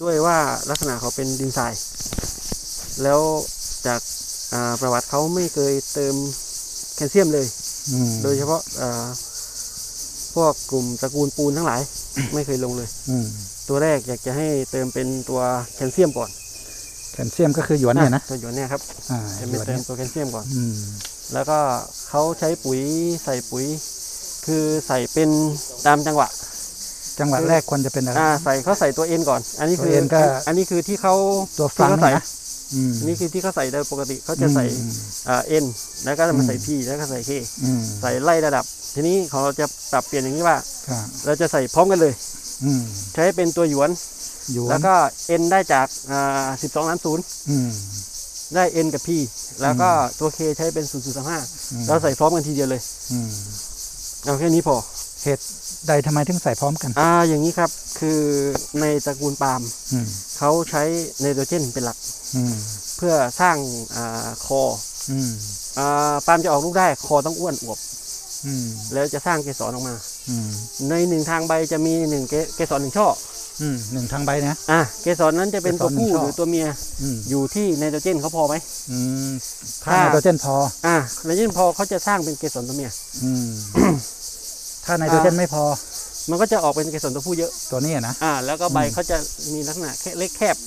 ด้วยว่าลักษณะเขาเป็นดินทรายแล้วจากประวัติเขาไม่เคยเติมแคลเซียมเลยโดยเฉพาะพวกกลุ่มตระกูลปูนทั้งหลาย ไม่เคยลงเลยตัวแรกอยากจะให้เติมเป็นตัวแคลเซียมก่อนแคลเซียมก็คือหยวนเนี่ยนะตัวหยวนเนี่ยครับจะเป็นเติมตัวแคลเซียมก่อนแล้วก็เขาใช้ปุ๋ยใส่ปุ๋ยคือใส่เป็นตามจังหวะแรกควรจะเป็นอะไรเขาใส่ตัวเอ็นก่อนอันนี้คือที่เขาตัวฟังใส่นี่คือที่เขาใส่โดยปกติเขาจะใส่เอ็นแล้วก็มาใส่พีแล้วก็ใส่เคใส่ไล่ระดับทีนี้ของเราจะปรับเปลี่ยนอย่างนี้ว่าเราจะใส่พร้อมกันเลยใช้เป็นตัวหยวนแล้วก็เอ็นได้จาก12 ล้านศูนย์ได้เอ็นกับพีแล้วก็ตัวเคใช้เป็น0.35เราใส่พร้อมกันทีเดียวเลยเอาแค่นี้พอเหตุใดทำไมถึงใส่พร้อมกันอย่างนี้ครับคือในตระกูลปาล์มเขาใช้ไนโตรเจนเป็นหลักเพื่อสร้างคอปาล์มจะออกลูกได้คอต้องอ้วนอวบแล้วจะสร้างเกสรออกมาในหนึ่งทางใบจะมีเกสร1 ช่อหนึ่งทางใบนะเกสรนั้นจะเป็นตัวผู้หรือตัวเมียอยู่ที่ไนโตรเจนเขาพอไหมถ้าไนโตรเจนพอไนโตรเจนพอเขาจะสร้างเป็นเกสรตัวเมียถ้าไนโตรเจนไม่พอมันก็จะออกเป็นเกสรตัวผู้เยอะตัวนี้นะแล้วก็ใบเขาจะมีลักษณะเล็กแคบ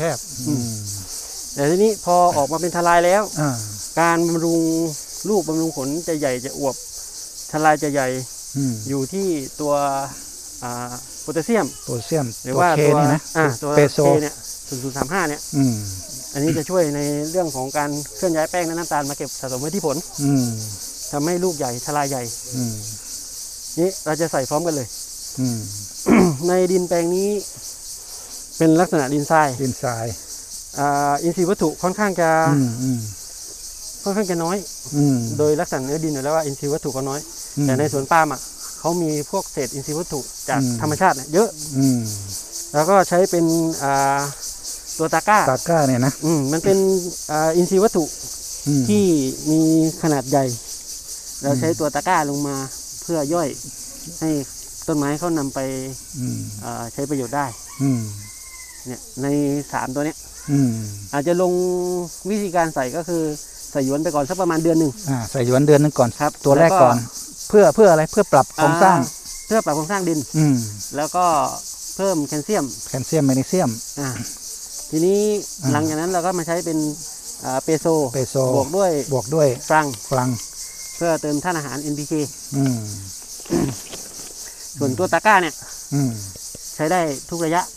แต่ทีนี้พอออกมาเป็นทลายแล้วการบำรุงลูกบำรุงผลจะใหญ่จะอวบทลายจะใหญ่อยู่ที่ตัวโพแทสเซียมหรือว่าตัวเปโซเนี่ย0.35เนี่ยอันนี้จะช่วยในเรื่องของการเคลื่อนย้ายแป้งและน้ำตาลมาเก็บสะสมไว้ที่ผลทำให้ลูกใหญ่ทลายใหญ่นี่เราจะใส่พร้อมกันเลยในดินแปลงนี้เป็นลักษณะดินทรายอินทรีย์วัตถุค่อนข้างจะน้อยโดยลักษณะเนื้อดินอยู่แล้วว่าอินทรีย์วัตถุก็น้อยแต่ในสวนปาล์มเขามีพวกเศษอินทรีย์วัตถุจากธรรมชาติเยอะแล้วก็ใช้เป็นตัวตาก้าเนี่ยนะมันเป็นอินทรีย์วัตถุที่มีขนาดใหญ่เราใช้ตัวตาก้าลงมาเพื่อย่อยให้ต้นไม้เขานำไปใช้ประโยชน์ได้เนี่ยใน3ตัวเนี้ยอาจจะลงวิธีการใส่ก็คือใส่หยวนไปก่อนสักประมาณเดือนหนึ่งใส่หยวนเดือนนึงก่อนครับตัวแรกก่อนเพื่ออะไรเพื่อปรับโครงสร้างดินแล้วก็เพิ่มแคลเซียมแมกนีเซียมทีนี้หลังจากนั้นเราก็มาใช้เป็นเปโซบวกด้วยฟรังเพื่อเติมธาตุอาหาร NPK ส่วนตัวตาก้าเนี่ยใช้ได้ทุกระยะ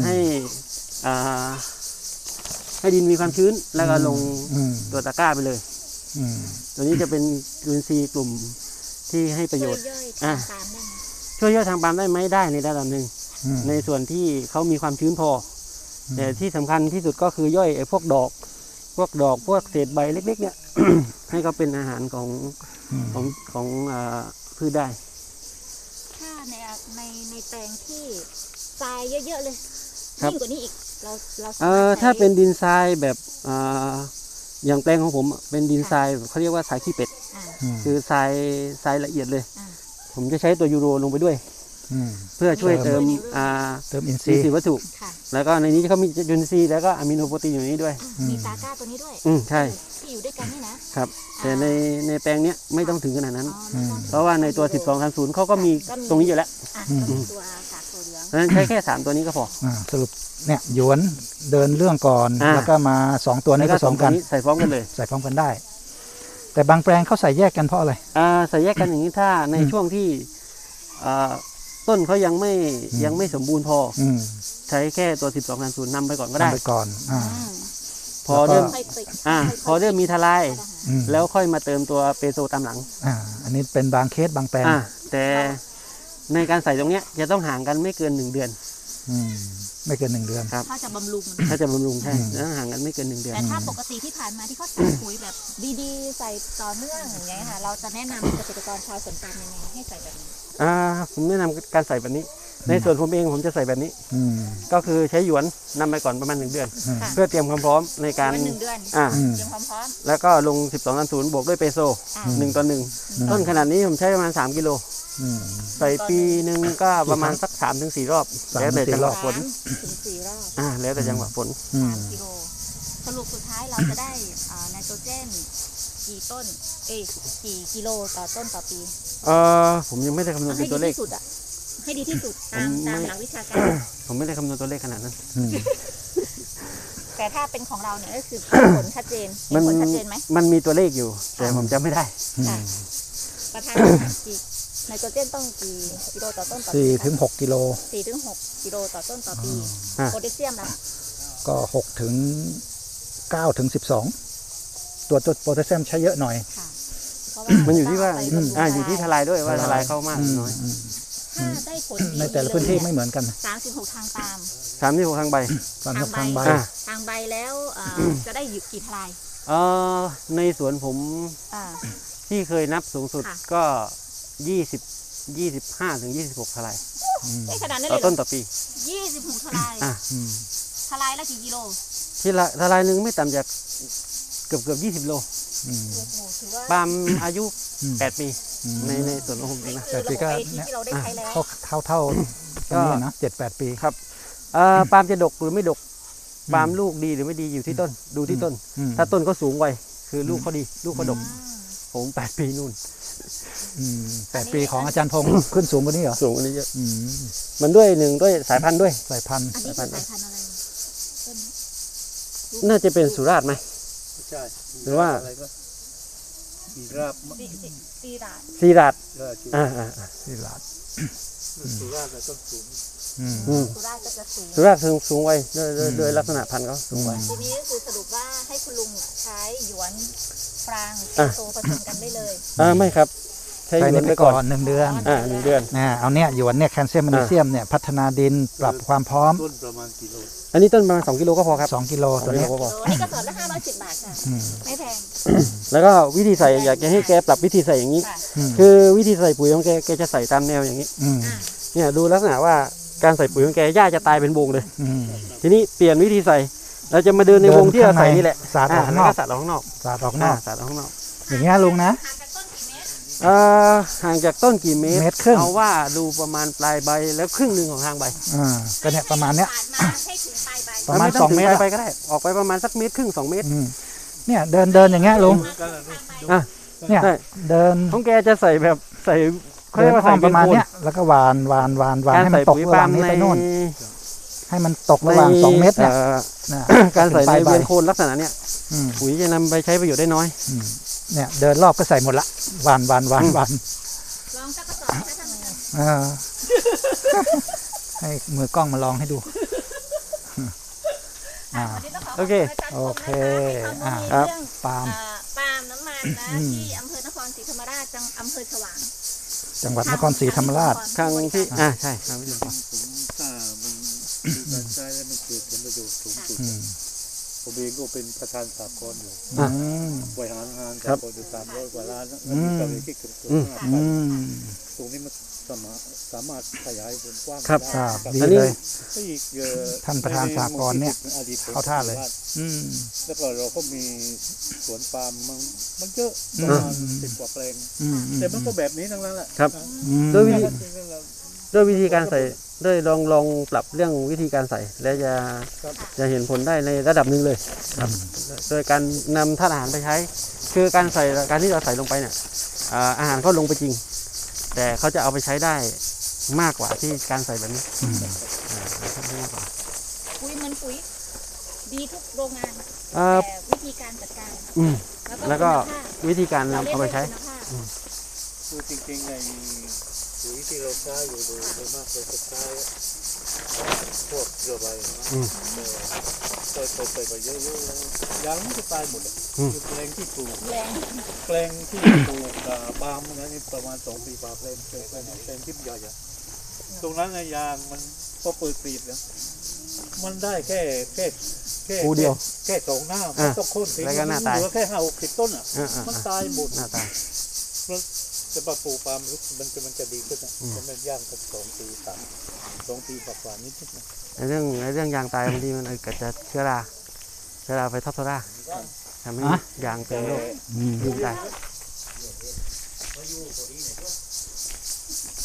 ให้ดินมีความชื้นแล้วก็ลงตัวตาก้าไปเลยตัวนี้จะเป็นจุลินทรีย์กลุ่มที่ให้ประโยชน์ช่วยย่อยทางปาล์มได้ไหมได้ในระดับหนึ่งในส่วนที่เขามีความชื้นพอแต่ที่สำคัญที่สุดก็คือย่อยพวกดอกพวกเศษใบเล็กๆเนี่ย ให้เขาเป็นอาหารของพืชได้ถ้าในแปลงที่ทรายเยอะๆเลยยิ่งกว่านี้อีกถ้าเป็นดินทรายแบบอย่างแปลงของผมเป็นดินทรายเขาเรียกว่าทรายขี้เป็ดคือทรายละเอียดเลยผมจะใช้ตัวยูโรลงไปด้วยเพื่อช่วยเติมอินทรีย์วัตถุแล้วก็ในนี้เขามีจุลินทรีย์แล้วก็อะมิโนโปรตีนอยู่นี้ด้วยมีตาก้าตัวนี้ด้วยใช่ที่อยู่ด้วยกันนี่นะครับแต่ในแปลงเนี้ยไม่ต้องถึงขนาดนั้นเพราะว่าในตัว12-30เขาก็มีตรงนี้อยู่แล้วตัวกากตัวเหลืองเพราะฉะนั้นใช้แค่3ตัวนี้ก็พอสรุปเนี่ยหยวนเดินเรื่องก่อนแล้วก็มา2ตัวนี้ผสมกันใส่พร้อมกันเลยใส่พร้อมกันได้แต่บางแปลงเขาใส่แยกกันเพราะอะไรใส่แยกกันอย่างนี้ถ้าในช่วงที่ต้นเขายังไม่สมบูรณ์พอใช้แค่ตัว12-30นำไปก่อนก็ได้พอเริ่มมีทลายแล้วค่อยมาเติมตัวเปโซตามหลังอันนี้เป็นบางเคสบางแปลงแต่ในการใส่ตรงเนี้ยจะต้องห่างกันไม่เกิน1 เดือนไม่เกิน1 เดือนครับถ้าจะบำรุงใช่แล้วห่างกันไม่เกิน1 เดือนแต่ถ้าปกติที่ผ่านมาที่เขาใส่ปุ๋ยแบบดีๆใส่ต่อเนื่องอย่างเงี้ยค่ะเราจะแนะนำเกษตรกรชาวสวนปาล์มยังไงให้ใส่แบบนี้ผมแนะนำการใส่แบบนี้ในส่วนผมเองผมจะใส่แบบนี้ก็คือใช้หยวนนำไปก่อนประมาณ1 เดือนเพื่อเตรียมความพร้อมในการ 1 เดือนเตรียมความพร้อมแล้วก็ลง12-30บวกด้วยเปโซ1 ต่อ 1ต้นขนาดนี้ผมใช้ประมาณ3 กิโลอืมใส่ปีหนึ่งก็ประมาณสัก3 ถึง 4 รอบ 3 แล้วแต่จังหวะฝน 3 ถึง 4 รอบแล้วแต่จังหวะฝนอืม 3 กิโลสรุปสุดท้ายเราจะได้ไนโตรเจนกี่ต้นกี่กิโลต่อต้นต่อปีผมยังไม่ได้คำนวณให้เป็นดีตัวเลขที่สุดอ่ะให้ดีที่สุดตามหลักวิชาการผมไม่ได้คำนวณตัวเลขขนาดนั้นอืมแต่ถ้าเป็นของเราเนี่ยก็คือผลชัดเจนมันผลชัดเจนไหมมันมีตัวเลขอยู่ แต่ผมจำไม่ได้ค่ะประธานกี่ไนโตรเจนต้องกี่กิโลต่อต้นต่อปี 4 ถึง 6 กิโล 4 ถึง 6 กิโลต่อต้นต่อปีอ่าโพแทสเซียมล่ะก็ 6 ถึง 9 ถึง 12 ตัวโพแทสเซียมใช้เยอะหน่อยค่ะเพราะว่ามันอยู่ที่ว่าต้งเไปบำรุงอยู่ที่ทลายด้วยว่าทลายเข้ามากหรือน้อยถ้าได้ผลดีในแต่ละพื้นที่ไม่เหมือนกัน 36 ทางปาล์ม 36 ทางใบตอนทางใบอ่าทางใบแล้วจะได้อยู่กี่ทลายในสวนผมอ่าที่เคยนับสูงสุดค่ะก็25 ถึง 26 ทลายได้ขนาดนั้นต่เลอยเหรต้อนต่อปี 26 ทลายอ่ะอืมทลายละกี่กิโลทลายหนึ่งไม่ต่ำจากเกือบ20 โลอืมโอ้โหถือว่าปาล์มอายุอืม 8 ปีอืมในสวนของผมเองนะคือระบบ AT ที่เราได้ใช้แล้วเท่าตรงนี้นะ7-8 ปีครับปาล์มจะดกหรือไม่ดก ปาล์มลูกดีหรือไม่ดีอยู่ที่ต้น ดูที่ต้นอืมถ้าต้นเขาสูงไวคือลูกเขาดี ลูกเขาดก ผม 8 ปีนู่นอืม8 ปีของอาจารย์พงศ์ขึ้นสูงกว่านี้เหรอสูงกว่านี้เยอะอืมมันด้วยด้วยสายพันธุ์ด้วยสายพันธุ์อันนี้คือสายพันธุ์อะไรต้นนี้น่าจะเป็นสุราษฎร์ไหมใช่หรือว่าอะไรก็มีราบซีราดซีราดราชูที่ลาดสุราษฎร์ต้นสูงอืมอืมสุราษฎร์ก็จะสูงสุราษฎร์สูงไวด้วยลักษณะพันธุ์เขาสูงไวทีนี้ก็คือสรุปว่าให้คุณลุงใช้หยวนฟรางเออ่ะโซผสมกันได้เลยไม่ครับ ใช้ใช้หยนี่วนไปไปก่ก่ออนน1 เดือน 1 เดือนเอาเนี่ยหยวนเนี่ยแคลเซียมแมกนีเซียมเนี่ยพัฒนาดินปรับความพร้อมต้นประมาณกิโลอันนี้ต้นประมาณ2 กิโลก็พอครับ 2 กิโลตัวเนี้ย 2 กิโลก็พออันนี้กระสอบละ510 บาทค่ะอืมไม่แพงแล้วก็วิธีใส่อยากจะให้แกปรับวิธีใส่อย่างนี้ค่ะอืมคือวิธีใส่ปุ๋ยของแกจะใส่ตามแนวอย่างนี้อืมอ่าเนี่ยดูลักษณะว่าการใส่ปุ๋ยของแกหญ้าจะตายเป็นวงเลยอืมทีนี้เปลี่ยนวิธีใส่ เราจะมาเดินในวงที่เราใส่นี่แหละสาดออกแล้นวอกก็สาดออกข้างนอกสาดออกนอกสาดออกข้างนอกอย่างเงี้ยลุงนะห่างจากต้นกี่เมตรห่างจากต้นกี่เมตรเมตรครึ่งเอาว่าดูประมาณปลายใบแล้วครึ่งหนึ่งของทางใบก็เนี่ยประมาณเนี้ยปาดมาให้ถึงปลายใบประมาณไต้ 2 เมตรถึอะปลายใบก็ได้ ออกไปประมาณสัก1.5 เมตร 2 เมตรอืมเนี่ยเดินอย่างเงี้ยลุงอ่ะเนี่ยใช่เดินของแกจะใส่แบบใส่เขาเดิเรียนกว่าอ้อใส่มประมาณเนี้ยแล้วก็หวานการให้มัใส่นตกปุ๋ยระหปาว่าล์งมนี้ในไปโน่นให้มันตกระหว่าง2 เมตรเนี่ยนะการใส่ในปลายใบเวียนโคนลักษณะเนี้ยอืมปุ๋ยจะนำไปใช้ประโยชน์ได้น้อยอืมเนี่ยเดินรอบก็ใส่หมดละหวานลองสักกระสอบให้ท่านเลยเออ ให้มือกล้องมาลองให้ดูอ่าวันนี้ต้องขอขโออบเคคุณอาจารย์พงษ์นะคะให้ความรู้ครับเรื่องปาล์มปาล์มน้ำมันนะอืมที่อำเภอนครศรีธรรมราชจังอำเภอฉวางจังหวัดนครศรีธรรมราชครั้งที่ใช่ครับพี่ลุงผมถ้ามันคือการใช้แล้วมันเกิดผลประโยชน์สูงสุดอืมผมเองก็เป็นประธานสากลอยู่อืมบริหารงานครับสากลอยู่300 กว่าล้านนะอืมมีกำไรที่เกือบอืม 5,000 อืมตรงนี้มันสามารถขยายวงกว้างครับได้อ่าครับดีอันนี้เลยก็อีกท่านประธานสากลเนี่ยอดีตผมเข้าท่าเลย อืมแล้วก็เราก็มีสวนปาล์มมันเยอะอืปมระมาณ10 กว่าแปลงอืมแต่มันก็แบบนี้ทั้งนั้นแหละครับอืมด้วยวิธีจริงๆแล้วด้วยวิธีการใส่ด้วยลองปรับเรื่องวิธีการใส่ แล้วจะครับจะเห็นผลได้ในระดับหนึ่งเลยครับโดยการนำธาตุอาหารไปใช้ คือการที่เราใส่ลงไปเนี่ยอาหารเขาลงไปจริง แต่เขาจะเอาไปใช้ได้มากกว่าที่การใส่แบบนี้อืมมากกว่าปุ๋ยเหมือนปุ๋ยดีทุกโรงงานเอ่อแต่วิธีการจัดการอืมแล้วก็คุณภาพวิธีการเรานำเรียกเอาไปว่าใช้คุณภาพคือจริงๆในปุ๋ยที่เราใช้อยู่โดยมากเราจะใช้พวกเกลือใบนะอืมแต่ใส่ไปเยอะๆแล้วยางมันจะตายหมดเลยอืมคือแปลงที่ปลูกแรงแปลงที่ปลูกปาล์มนะนี่ประมาณ2 ปีปาล์มแปลงที่ใหญ่อะตรงนั้นนะยางมันพอเปิดกรีดนะมันได้แค่ปูเดียวแค่2 หน้าอ่ะมันต้องโค่นทิ้งแล้วก็หน้าตายเหลือแค่50-60 ต้นอ่ะ มันตายหมดหน้าตาจะปลูกปาล์มมันจะดีขึ้นนะอืมมันย่างสัก2 ปี2 ปีกว่าๆนิดๆนะในเรื่องยางตายบางทีมันเกิดจากเชื้อราไปทับโซราทำให้ฮะยางเป็นโรคอืมยิงตาย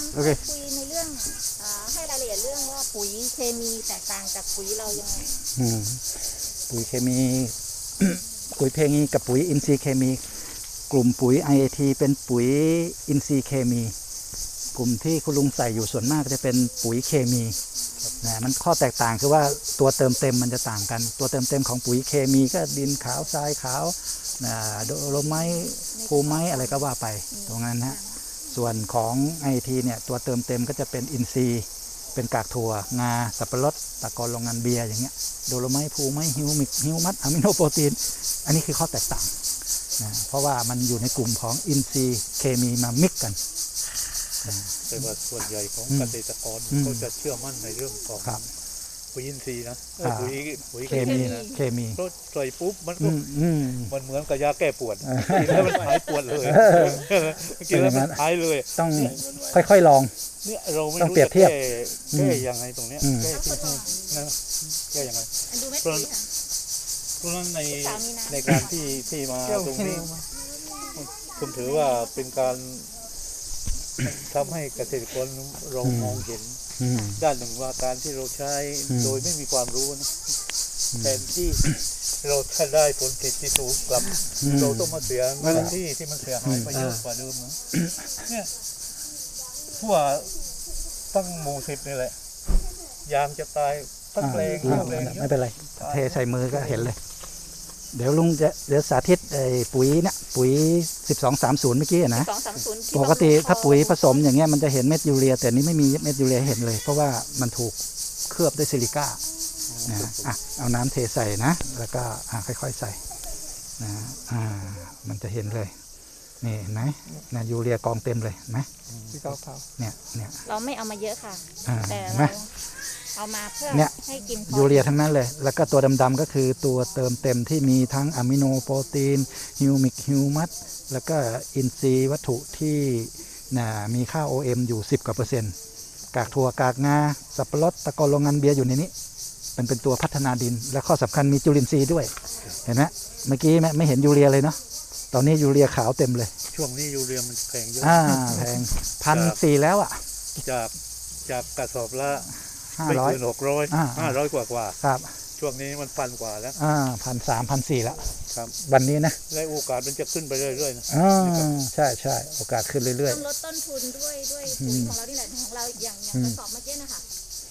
โอเคคุยในเรื่องให้รายละเอียดเรื่องว่าปุ๋ยเคมีแตกต่างจากปุ๋ยเรายังไงปุ๋ยเคมี ปุ๋ยเคมีกับปุ๋ยอินทรีย์เคมี กลุ่มปุ๋ย IAT เป็นปุ๋ยอินทรีย์เคมี กลุ่มที่คุณลุงใส่อยู่ส่วนมากจะเป็นปุ๋ยเคมีนะมันข้อแตกต่างคือว่าตัวเติมเต็มมันจะต่างกัน ตัวเติมเต็มของปุ๋ยเคมีก็ดินขาวทรายขาวโดโลไมต์ภูไม้อะไรก็ว่าไปตรงนั้นนะส่วนของ IAT เนี่ยตัวเติมเต็มก็จะเป็นอินทรีย์เป็นกากถั่วงาสับปะรดตะกอนโรงงานเบียร์อย่างเงี้ยโดโลไมต์ภูไม้ฮิวมิกฮิวมัสอะมิโนโปรตีนอันนี้คือข้อแตกต่างนะเพราะว่ามันอยู่ในกลุ่มของอินทรีย์เคมีมามิกกันนะแต่ว่าส่วนใหญ่ของเกษตรกรก็จะเชื่อมั่นในเรื่องของครับปุ๋ยอินทรีย์นะปุ๋ยเคมีเคมีเพราะใส่ปุ๊บมันก็อืมมันเหมือนกับยาแก้ปวดกินแล้วมันหายปวดเลยกินแล้วมันหายเลยต้องค่อยๆลองเนี่ยเราไม่ต้องรู้เปรียบจะเทียบแก้ยังไงตรงเนี้ยอืมแก้ที่นะแก้ยังไงอันดูเม็ดปุ๋ยค่ะเพราะฉะนั้นในสามีนะในการที่มาตรงนี้ผมถือว่าเป็นการทำให้เกษตรกรเรามองเห็นอืมด้านหนึ่งว่าการที่เราใช้โดยไม่มีความรู้นะแทนที่เราจะได้ผลผลิตที่สูงกลับ เราต้องมาเสียเงินที่มันเสียหายไปเยอะกว่าเดิมนะเนี่ยทั่วตั้งหมู่10นี่แหละยางจะตายตั้งแปลงทั้งแปลงไม่เป็นไรเทใส่มือก็เห็นเลย เดี๋ยวลุงจะเดี๋ยวสาธิตปุ๋ยเนี่ยปุ๋ย1230เมื่อกี้นะ 230 ปกติถ้าปุ๋ยผสมอย่างเงี้ยมันจะเห็นเม็ดยูเรียแต่นี้ไม่มีเม็ดยูเรียให้เห็นเลย เพราะว่ามันถูกเคลือบด้วยซิลิก้านะเอาน้ำเทใส่นะแล้วก็ค่อยๆใส่นะมันจะเห็นเลยนี่เห็นไหมนะยูเรียกองเต็มเลยเห็นไหมเนี่ยเราไม่เอามาเยอะค่ะ แต่เห็นไหมเราเอามาเพื่อเนี่ยให้กินพอยูเรียทั้งนั้นเลย แล้วก็ตัวดำๆก็คือตัวเติมเต็มที่มีทั้งอะมิโนโปรตีนฮิวมิกฮิวมัสแล้วก็อินทรีย์วัตถุที่มีค่า OM อยู่10 กว่า%กากถั่วกากงาสับปะรดตะกอนโรงงานเบียร์อยู่ในนี้มันเป็นตัวพัฒนาดิน และข้อสำคัญมีจุลินทรีย์ด้วยเห็นไหมเมื่อกี้ไม่เห็นยูเรียเลยเนาะตอนนี้ยูเรียขาวเต็มเลยช่วงนี้ยูเรียมันแพงเยอะแพง1,400แล้วอ่ะจากกระสอบละไม่ 500 เกิน500กว่าครับช่วงนี้มัน1,000 กว่าแล้ว 1,300 1,400แล้วครับวันนี้นะและโอกาสมันจะขึ้นไปเรื่อยๆนะใช่โอกาสขึ้นเรื่อยต้องลดต้นทุนด้วยปุ๋ยของเรานี่แหละของเราอย่างกระสอบเมื่อกี้นะคะ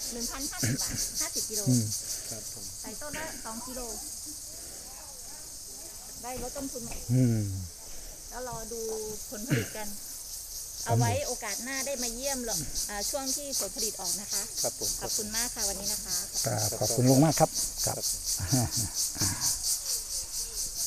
1,050 บาท50 กิโลครับผมใส่ต้นละ2 กิโลได้ลดต้นทุนไหม แล้วรอดูผลผลิตกัน เอาไว้โอกาสหน้าได้มาเยี่ยมหรอกช่วงที่ผลผลิตออกนะคะครับผมขอบคุณมากค่ะวันนี้นะคะๆขอบคุณลุงมากครับ